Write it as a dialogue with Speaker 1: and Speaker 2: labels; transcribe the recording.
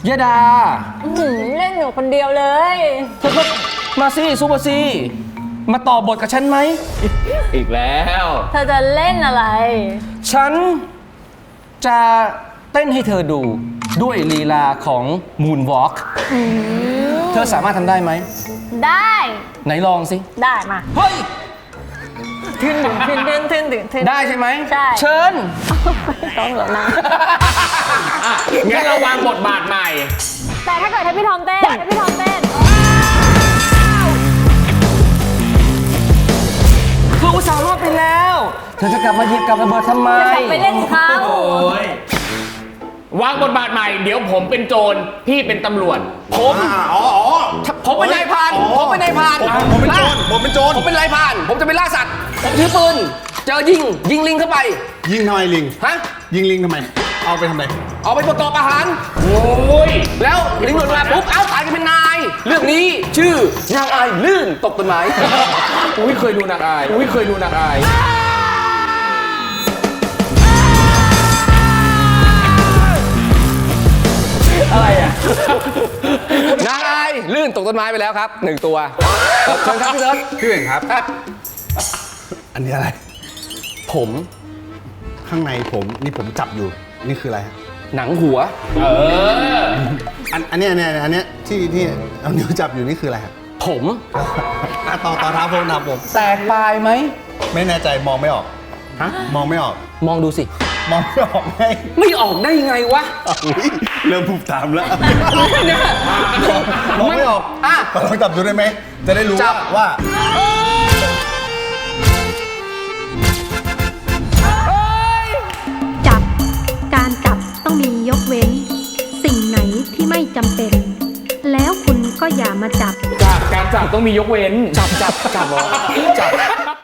Speaker 1: ยดา
Speaker 2: เล่นอยู่คนเดียวเลย
Speaker 1: เธอก็มาสิซูเปอร์ซีมาต่อบทกับฉันไหม
Speaker 3: อีกแล้ว
Speaker 2: เธอจะเล่นอะไร
Speaker 1: ฉันจะเต้นให้เธอดูด้วยลีลาของ Moonwalk เธอสามารถทำได้ไหม
Speaker 2: ได้
Speaker 1: ไหนลองสิ
Speaker 2: ได้มา
Speaker 1: เฮ้ย
Speaker 2: ทึนทึน
Speaker 1: ได้ใช่ไหม
Speaker 2: ใช่
Speaker 1: เชิญ
Speaker 2: ไม่ต้องหรอกนะ
Speaker 3: งั้นเราวางบทบาทใหม่
Speaker 2: แต่ถ้าเกิดให้พี่ทอมเต้นให้พี่ทอมเต้น
Speaker 1: เธออุตส่าห์รอดไปแล้ว เธอจะกลับมาหยิบกับระเบิดทำไม
Speaker 2: จะกลับไปเล่นเขา
Speaker 3: วางบทบาทใหม่ เดี๋ยวผมเป็นโจร พี่เป็นตำรวจ
Speaker 1: ผมเป็นนายพรานผมเป็นนายพราน
Speaker 4: ผมเป็นโจรผมเป็นโจร
Speaker 1: ผมเป็นนายพราน ผมจะไปล่าสัตว์ ผมถือปืน เจอยิงลิงเข้าไป
Speaker 4: ยิงทำไมลิง
Speaker 1: ฮะ
Speaker 4: ยิงลิงทำไม เอาไปทำไม
Speaker 1: เอาไปประกอบอาหาร
Speaker 3: โอ้ย
Speaker 1: แล้วลิงหล่นมาปุ๊บ เอ้าตายกันเป็นนาย เรื่องนี้ชื่อนางอายลื่นตกต้นไม้
Speaker 3: อุ้ยเคยดูนางอาย อุ้ยเคยดูนางอาย
Speaker 1: อะไรอ่ะ นางอายลื่นตกต้นไม้ไปแล้วครับ1 ตัวเชิญครับพี่เซิร์ช
Speaker 4: พี่เอกครับ
Speaker 1: ครับ
Speaker 4: อันนี้อะไร
Speaker 1: ผม
Speaker 4: ข้างในผมนี่ผมจับอยู่ นี่คืออะไรฮะ
Speaker 1: หนังหัว
Speaker 4: อันเนี้ยที่เอานิ้วจับอยู่นี่คืออะไรฮะ
Speaker 1: ผม
Speaker 4: ต่อเท้าผมนะผม
Speaker 1: แตกปลายไหม
Speaker 4: ไม่แน่ใจมองไม่ออก
Speaker 1: ฮะ
Speaker 4: มองไม่ออก
Speaker 1: มองดูสิ
Speaker 4: มองไม่ออกไง
Speaker 1: ไม่ออกได้ไงวะ
Speaker 4: อุ๊ยเริ่มผูกตามแล้ว
Speaker 1: เนี่ย
Speaker 4: มองไม่ออก
Speaker 1: อ่ะ
Speaker 4: ลองจับดูได้ไหม จะได้รู้
Speaker 1: จับ
Speaker 4: ว่า
Speaker 5: จับ การจับต้องมียกเว้น สิ่งไหนที่ไม่จำเป็น แล้วคุณก็อย่ามาจับ
Speaker 3: การจับต้องมียกเว้น
Speaker 1: จับ